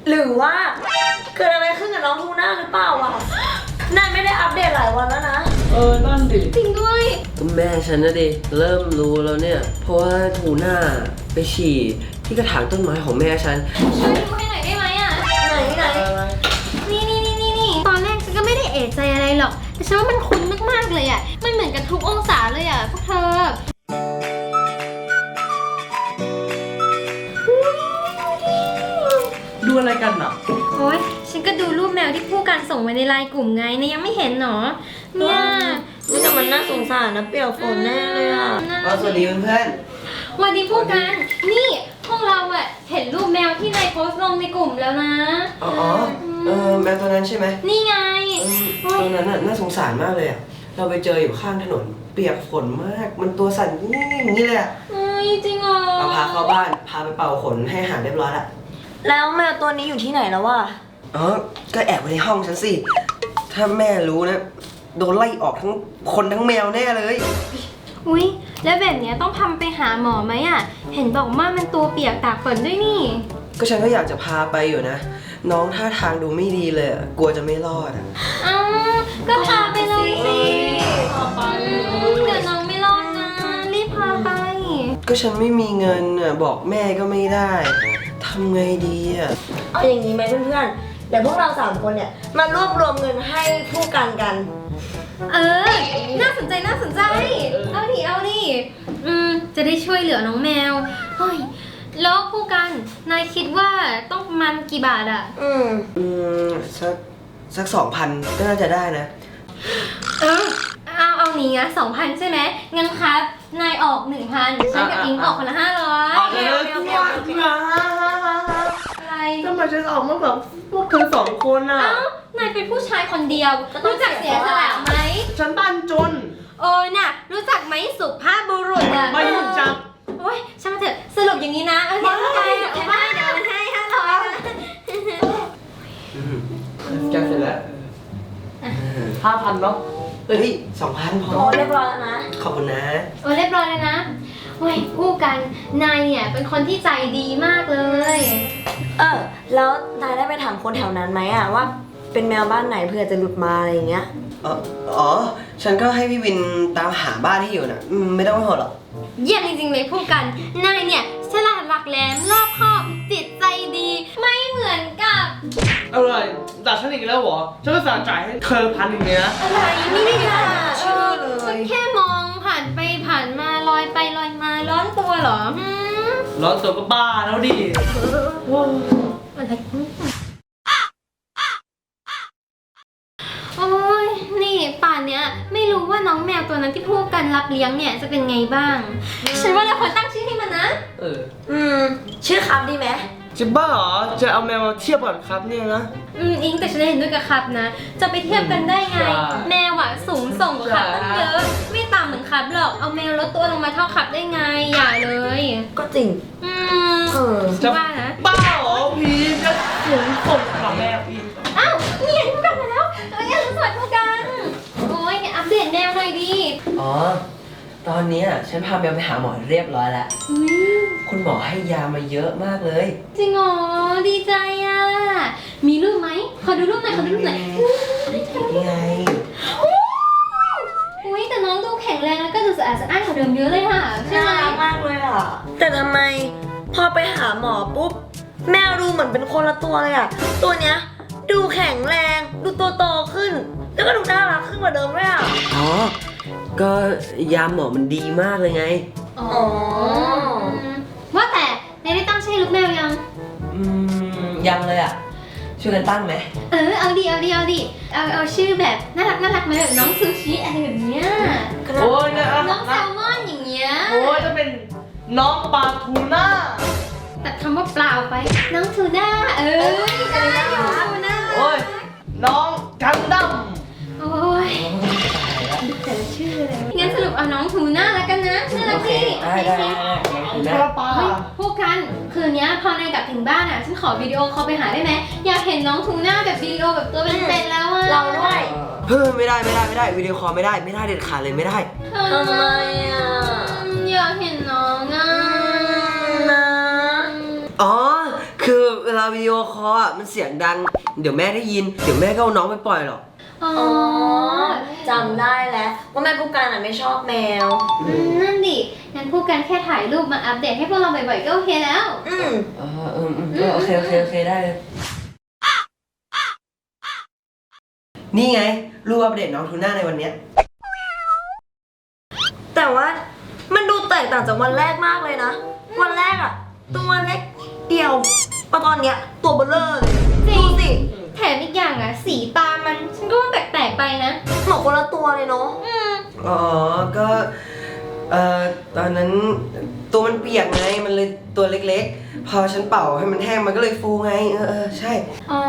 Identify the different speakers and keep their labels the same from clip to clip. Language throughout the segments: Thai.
Speaker 1: หรือว่าเกิดอะไรขึ้นกับน้องทูน่าหรือเปล่าวะนายไม่ได้อัปเดตหลายวันแล้วนะ
Speaker 2: นั่นดิ
Speaker 3: จริงด้วย
Speaker 4: แม่ฉันนะดิเริ่มรู้แล้วเนี่ยเพราะว่าทูน่าไปฉี่ที่กระถางต้นไม้ของแม่ฉัน
Speaker 3: ช่วยดูให้หน่อยได้ไหมอ่ะ
Speaker 1: ไหน
Speaker 3: นี่ตอนแรกฉันก็ไม่ได้เอะใจอะไรหรอกแต่ฉันว่ามันคุ้นมากๆเลยอ่ะมันเหมือนกันทุกองศาเลยอ่ะพวกเธอ
Speaker 2: ดูอะไรกันอ่ะ
Speaker 3: โอ๊ยฉันก็ดูรูปแมวที่ผู้กันส่งมาในไลน์กลุ่มไงเนี่ยยังไม่เห็นหรอเนี่ย
Speaker 1: แต่มันน่าสงสารนะเปียกฝนแน่เลยอ่ะ
Speaker 4: สวัสดีเพื่อน
Speaker 3: วันนี้ผู้กันนี่พวกเราอ่ะเห็นรูปแมวที่นายโพสต์ลงในกลุ่มแล้วนะ
Speaker 4: แมวตัวนั้นใช่ไหม
Speaker 3: นี่ไง
Speaker 4: ตัวนั้นน่าสงสารมากเลยอ่ะเราไปเจออยู่ข้างถนนเปียกฝนมากมันตัวสั่นนี่อย่างนี้เลยอ่ะ
Speaker 3: จริงเหรอ
Speaker 4: เราพาเข้าบ้านพาไปเป่าขนให้อาหารเรียบร้อยละ
Speaker 1: แล้วแมวตัวนี้อยู่ที่ไหนแล้ววะ
Speaker 4: ก็แอบไว้ในห้องฉันสิถ้าแม่รู้นะโดนไล่ออกทั้งคนทั้งแมวแน่เลย
Speaker 3: อุ๊ยแล้วแบบนี้ต้องพาไปหาหมอไหมอ่ะเห็นบอกว่ามันตัวเปียกตากฝนด้วยนี่
Speaker 4: ก็ฉันก็อยากจะพาไปอยู่นะน้องท่าทางดูไม่ดีเลยกลัวจะไม่รอด
Speaker 3: ก็พาไปเลยสิเดี๋ยวน้องไม่รอดนะรีบพาไป
Speaker 4: ก็ฉันไม่มีเงินบอกแม่ก็ไม่ได้ทำไงดี
Speaker 1: เอาอย่างนี้ไหมเพื่อนๆเดี๋ยวพวกเรา3 คนเนี่ยมารวบรวมเงินให้ผู้กัน
Speaker 3: น่าสนใจเอาดิจะได้ช่วยเหลือน้องแมวเฮ้ยแล้วผู้กันนายคิดว่าต้องประมาณกี่บาทอ่ะ
Speaker 4: สัก 2,000 ก็น่าจะได้นะ
Speaker 3: เอาหนีนะ 2,000 ใช่ไหมงั้นครับนายออก 1,000 ฉันกับอิงออกคนละ 500อะไร
Speaker 2: ทำไมฉันออกมาแบบพวกเธอ2 คนอ่ะ
Speaker 3: นายเป็นผู้ชายคนเดียวรู้จักเสียสละไหม
Speaker 2: ฉันบ้านจน
Speaker 3: น่ะรู้จักไหมสุภาพบุรุษอ่ะ
Speaker 2: ไม่รู้จัก
Speaker 3: โอ๊ยช่างมาเถอะสรุปอย่างนี้นะเดี๋ยวให้500
Speaker 2: จะเสร็จแล้ว5,000เนาะ
Speaker 4: 2,000พอ
Speaker 1: เรียบร้อยแล้วนะ
Speaker 4: ขอบคุณนะ
Speaker 3: เรียบร้อยแล้วนะโอ้ยผู้กันนายเนี่ยเป็นคนที่ใจดีมากเลย
Speaker 1: แล้วนายได้ไปถามคนแถวนั้นไหมอะว่าเป็นแมวบ้านไหนเผื่อจะหลุดมาอะไรอย่างเงี้ย
Speaker 4: ฉันก็ให้พี่วินตามหาบ้านที่อยู่น่ะไม่ต้องห่วงหรอก
Speaker 3: เยี่ยมจริงๆเลยผู้กันนายเนี่ยฉลาดหลักแหลมรอบคอบจิตใจดีไม่เหมือนกับ
Speaker 2: อะไรด่าฉันอีกแล้วเหรอฉันก็สั่งจ่ายให้เธอ1,000เนี่ยนะ
Speaker 3: อะไรไม่ได้ด่าฉันแค่มองผ่านไปผ่านมาลอยไปลอยมาร้อนตัวเหรอ
Speaker 2: ร้อนตัวก็บ้าแล้วดิ
Speaker 3: อะไรโอ้ยนี่ป่านเนี้ยไม่รู้ว่าน้องแมวตัวนั้นที่พวกกันรับเลี้ยงเนี่ยจะเป็นไงบ้างฉันว่าเราควรตั้งชื่อให้มันนะ
Speaker 1: ชื่อครับดีไหม
Speaker 2: จะบ้าเหรอจะเอาแมวมาเทียบกันครับเนี่ยนะ
Speaker 3: อิงแต่ฉันเห็นด้วยกับครับนะจะไปเทียบกันได้ไงแมวอะสูงส่งกว่าครับตั้งเยอะไม่ต่ำเหมือนครับหรอกเอาแมวลดตัวลงมาเท่าครับได้ไงอย่าเลย
Speaker 1: ก็จริง
Speaker 3: จะว่านะ
Speaker 2: บ้าเหรอพีจะสูงส่งกับแมวอีก
Speaker 3: เนี่ยพูดกันมาแล้วอย่าสวัสดีกันโอ้ยอัปเดตแมวหน่อยดิ
Speaker 4: ตอนนี้ฉันพาแมวไปหาหมอเรียบร้อยแล้วคุณหมอให้ยามาเยอะมากเลย
Speaker 3: จริงเหรอดีใจอ่ะมีรูปไหมขอดูรูปหน่อย
Speaker 4: ยังไง
Speaker 3: อุ้ยแต่น้องดูแข็งแรงแล้วก็ดูสะอาดสะอ้านกว่าเดิมเยอะเลยค่ะใช่ไหม
Speaker 1: มากเลยอ่ะแต่ทำไมพอไปหาหมอปุ๊บแมวดูเหมือนเป็นคนละตัวเลยอ่ะตัวเนี้ยดูแข็งแรงดูโตขึ้นแล้วก็ดูน่ารักขึ้นกว่าเดิมด้วยอ่ะ
Speaker 4: ก็ยาหมอมันดีมากเลยไง
Speaker 3: ว่าแต่ได้ตั้งชื่อลูกแมว
Speaker 4: ยังเลยอ่ะช่วยกันตั้งไหม
Speaker 3: เอาดิเอาชื่อแบบน่ารักมาแบบน้องซูชิอะไรแบบเนี้ย
Speaker 2: โอ้ย
Speaker 3: น้องแซลมอนอย่างเงี้ย
Speaker 2: โอ้ยจะเป็นน้องปลาทูน่า
Speaker 3: ตัดคำว่าเปล่าไปน้องทูน่าได้น้องทูน่า
Speaker 2: โอ้ยน้องกันดั้ม
Speaker 3: โอ้ยแต่ชื่ออะไรงั้นสรุปเอาน้องทูน่าแล้วกันนะน่ารักดิพวกกันคืนนี้พอนายกลับถึงบ้านอ่ะฉันขอวิดีโอคอลไปหาได้ไหมอยากเห็นน้องทูน่าแบบวิดีโอแบบตัวเป็นๆแล้วอ่ะ
Speaker 1: เราด้วย
Speaker 4: ไม่ได้วิดีโอคอลไม่ได้เด็ดขาดเลยไม่ได้
Speaker 1: ทำไมอ่ะ
Speaker 3: อยากเห็นน้องอ่ะ
Speaker 4: คือเวลาลาวิดีโอคอลอ่ะมันเสียงดัง เดี๋ยวแม่ได้ยิน เดี๋ยวแม่ก็เอาน้องไปปล่อยหรอก
Speaker 3: อ๋อ
Speaker 1: อ๋อจำได้แล้วว่าแม่ผู้การไม่ชอบแมว
Speaker 3: นั่นดิ งั้นพูดกันแค่ถ่ายรูปมาอัปเดตให้พวกเราบ่อยๆก็โอเคแล้ว
Speaker 4: โอเคได้เลย นี่ไง รูปอัปเดตน้องทูน่าในวันเนี้ย
Speaker 1: แต่ว่ามันดูแตกต่างจากวันแรกมากเลยนะ วันแรกอะตัวเล็กเดียวพอตอนเนี้ยตัวเบลอเลย
Speaker 3: จริ
Speaker 1: ดู
Speaker 3: ง
Speaker 1: สิ
Speaker 3: แถมอีกอย่างอ่ะ สีตามัน ฉันก็ว่าแปลกๆไปนะ
Speaker 1: เหมือนคนละตัวเลยเนาะ
Speaker 4: อ๋อ ก็ ตอนนั้นตัวมันเปียกไง มันเลยตัวเล็กๆ พอฉันเป่าให้มันแห้งมันก็เลยฟูไง ใช่
Speaker 3: อ๋อ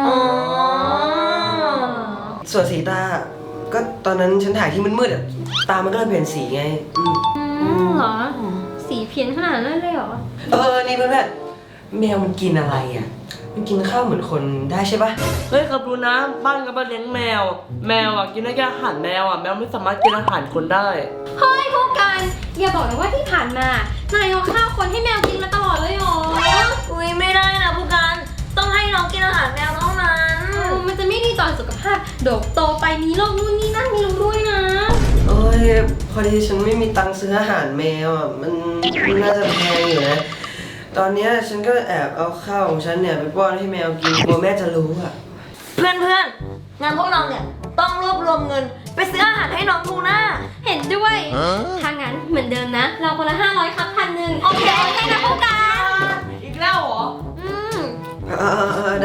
Speaker 4: ส่วนสีตา ก็ตอนนั้นฉันถ่ายที่มืดๆอ่ะ ตามันก็เลยเปลี่ยนสีไง
Speaker 3: เหรอ สีเพี้ยนขนาดนั้นเลยเหรอ
Speaker 4: นี่เพื่อนๆแมวมันกินอะไรอ่ะ มันกินข้าวเหมือนคนได้ใช่ปะ
Speaker 2: เฮ้ยครับรู้นะบ้านกับบ้านเลี้ยงแมว แมวอ่ะกินได้แค่อาหารแมวอ่ะแมวไม่สามารถกินอาหารคนได้
Speaker 3: เฮ้ยพวกกัน อย่าบอกนะว่าที่ผ่านมา นายเอาข้าวคนให้แมวกินมาตลอดเลยเหรอ
Speaker 1: อุ้ยไม่ได้นะผู้การต้องให้น้องกินอาหารแมวเท่านั้น
Speaker 3: มันจะไม่ดีต่อสุขภาพเดี๋ยวโตไปมีโรคนู่นนี่นั่นมีรู้ด้วยนะ
Speaker 4: โอ้ยพอดีฉันไม่มีตังค์ซื้ออาหารแมวอ่ะ มันน่าจะแพงอยู่นะ ตอนเนี้ยฉันก็แอบเอาข้าวของฉันเนี่ยไปป้อนให้แมวกินกลัวแม่จะรู้อ่ะ
Speaker 1: เพื่อนๆงานพวกเราเนี่ยต้องรวบรวมเงินไปซื้ออาหารให้น้องทูน่า
Speaker 3: เห็นด้วย ถ้างั้นเหมือนเดิมนะ เราคนละ500ครับ1,000
Speaker 1: โอเค
Speaker 3: นะพวกกัน
Speaker 2: อีกแล้วเหรอ
Speaker 4: ได้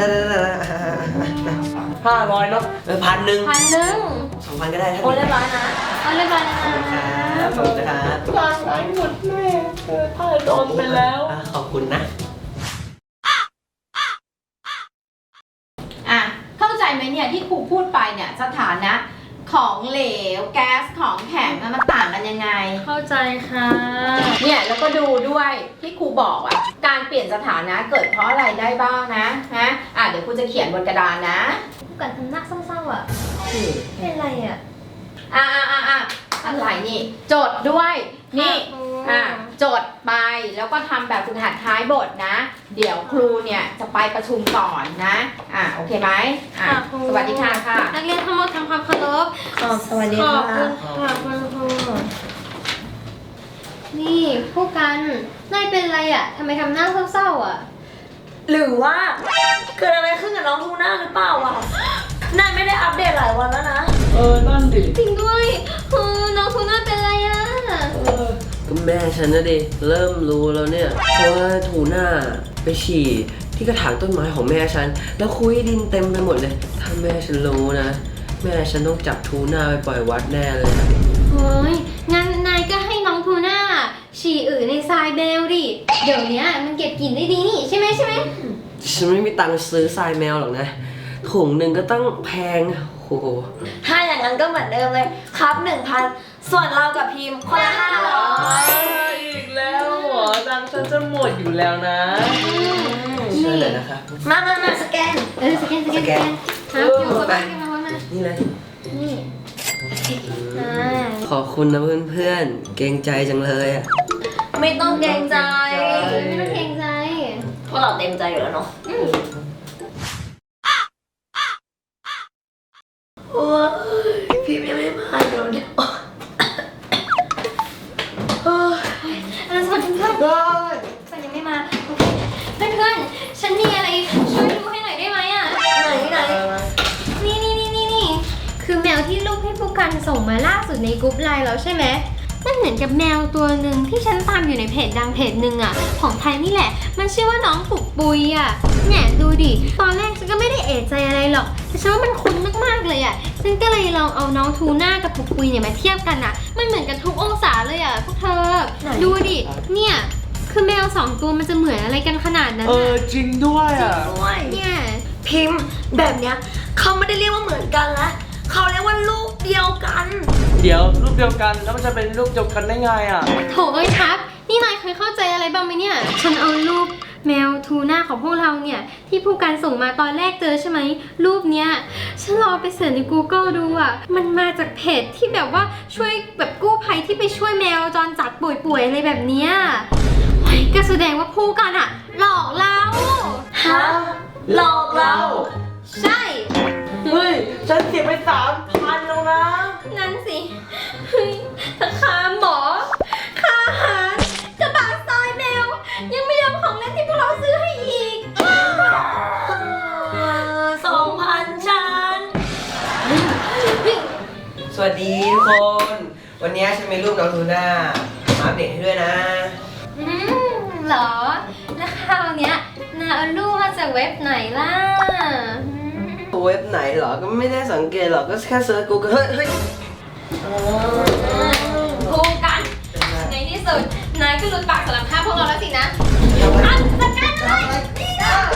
Speaker 2: 500เนาะ
Speaker 4: 1,000
Speaker 3: 1,000
Speaker 4: 2,000ก็ได้ท่าน
Speaker 1: โอ้เรียบร้อยนะ
Speaker 3: เอาเรียบร้อยนะ
Speaker 4: ขอบคุณนะครับ
Speaker 2: ร้านไหนหมดแม่ถ้าโดนไปแล้ว
Speaker 4: ขอบคุณนะ
Speaker 5: อ่ะเข้าใจไหมเนี่ยที่ครูพูดไปเนี่ยสถานะของเหลวแก๊สของแข็งมันต่างกันยังไง
Speaker 3: เข้าใจค่ะ
Speaker 5: เนี่ยแล้วก็ดูด้วยที่ครูบอกอ่ะการเปลี่ยนสถานะเกิดเพราะอะไรได้บ้างนะเดี๋ยวครูจะเขียนบนกระดานนะ
Speaker 3: พวกกันทำหน้าเศร้าๆอ่ะ เป็นไรอ่ะ
Speaker 5: อะไรนี่ จดด้วยนี่
Speaker 3: ค่ะ
Speaker 5: จดไปแล้วก็ทำแบบฝึกหัดท้ายบทนะ เดี๋ยวครูเนี่ยจะไปประชุมก่อนนะโอเคไหมสวัสดีค่ะ
Speaker 3: นักเรียนทั้งหมดทำความเคารพ
Speaker 1: สวัสดี
Speaker 3: ขอบ
Speaker 1: ค่ะ
Speaker 3: คุณค่ะคุณครูนี่พวกกัน นายเป็นไรอ่ะทำไมทำหน้าเศร้าๆอ่ะ
Speaker 1: หรือว่าเกิดอะไรขึ้นกับน้องทูน่าหรือเปล่าวะนายไม่ได้อัปเดตหลายวันแล้วนะ
Speaker 2: นั่นดิ
Speaker 3: จริงด้วยน้องทูน่าเป็นไรอ่ะ
Speaker 4: ก็แม่ฉันนะดิเริ่มรู้แล้วเนี่ยเพราะว่าทูน่าไปฉี่ที่กระถางต้นไม้ของแม่ฉัน แล้วคุยดินเต็มไปหมดเลย ถ้าแม่ฉันรู้นะ แม่ฉันต้องจับทูน่าไปปล่อยวัดแน่เลยอะ
Speaker 3: โอ้ยงั้นนายก็ให้น้องทูน่าฉี่ในทรายเบลดิ เดี๋ยวเนี้ยมันเก็บกลิ่นได้ดีนี่ใช่ไหม
Speaker 4: ฉันไม่มีตังค์ซื้อทรายแมวหรอกนะถุงหนึ่งก็ต้องแพงโอ้โห
Speaker 1: ถ้าอย่างนั้นก็เหมือนเดิมเลยครับ 1,000 ส่วนเรากับพิมพ์คนละ500
Speaker 2: อีกแล้วเหรอตังค์ฉันจะหมดอยู่แล้วนะ
Speaker 4: เชื่อเลยนะครับ
Speaker 1: มาสแกน
Speaker 3: สแกนครับอยู่กับบ้านกันมาวันนั้น
Speaker 4: นี่เลย
Speaker 3: นี่อ่า
Speaker 4: ขอบคุณนะเพื่อนๆ เกรงใจจังเลยอ่ะ
Speaker 1: ไม่ต้องเกรงใจ
Speaker 3: ไม่ต้องเกรงใจ
Speaker 1: เพราะเราเต็มใจอยู่แล้วเนาะโอ้ยพิมพ์ยังไม่มาเดี๋ยวเนี่ยโอ้ย
Speaker 3: สวัสดีเพื่อนฉันยังไม่มาโอเคเพื่อนๆฉันมีอะไรช่วยดูให้หน่อยได้ไหมอ่ะ
Speaker 1: ไหน
Speaker 3: นี่คือแมวที่ลูกให้ผู้กันส่งมาล่าสุดในกรุ๊ปไลน์แล้วใช่ไหมมันเหมือนกับแมวตัวหนึ่งที่ฉันตามอยู่ในเพจดังเพจหนึ่งอ่ะของไทยนี่แหละมันชื่อว่าน้องปุกปุยอ่ะเนี่ยดูดิตอนแรกฉันก็ไม่ได้เอะใจอะไรหรอกแต่ฉันว่ามันคุ้นมากๆเลยอ่ะฉันก็เลยลองเอาน้องทูน่ากับปุกปุยเนี่ยมาเทียบกันอ่ะมันเหมือนกันทุกองศาเลยอ่ะพวกเธอดูดิเนี่ยคือแมวสองตัวมันจะเหมือนอะไรกันขนาดนั้นอ่ะ
Speaker 2: จริงด้วยอ่ะ
Speaker 1: ด้วย
Speaker 3: เนี่ย
Speaker 1: พิมพ์แบบเนี้ยเขาไม่ได้เรียกว่าเหมือนกันละเขาเรียกว่าลูกเดียวกัน
Speaker 2: เดี๋ยวรูปเดียวกันแล้วมันจะเป็นรูปเดียวกันได้ไงอ่ะ
Speaker 3: โถเอ้ยครับนี่นายเคยเข้าใจอะไรบ้างไหมเนี่ยฉันเอารูปแมวทูน่าของพวกเราเนี่ยที่ผู้การส่งมาตอนแรกเจอใช่ไหมรูปเนี้ยฉันลองไปเสิร์ชใน Google ดูอ่ะมันมาจากเพจที่แบบว่าช่วยแบบกู้ภัยที่ไปช่วยแมวจรจัดป่วยๆอะไรแบบเนี้ยโอ้ยก็แสดงว่าผู้การอ่ะหลอกเรา
Speaker 1: ฮะหลอกเรา
Speaker 3: ใช่
Speaker 2: เฮ้ย ฉันเสียไป3,000แล้วนะ
Speaker 3: นั่นสิเฮ้ยทั้งค่าหมอ ค่าอาหารกระบะซอยแมว ยังไม่รวมของเล่นที่พวกเราซื้อให้อีก
Speaker 1: 2,000ฉัน
Speaker 4: สวัสดีทุกคน วันนี้ฉันมีรูปน้องทูน่ามาอัปเดตให้ด้วยนะ
Speaker 3: เหรอ แล้วคราวเนี้ยนาเอารูปมาจากเว็บไหนล่ะ
Speaker 4: เว็บไหนเหรอ ก็ไม่ได้สังเกตหรอก ก็แค่เซิร์ช Google เฮ้ย
Speaker 3: คู่กัน ในที่สุด นายก็หลุดปากสารภาพพวกเราแล้วสินะอันจัดการเลยนี่นะ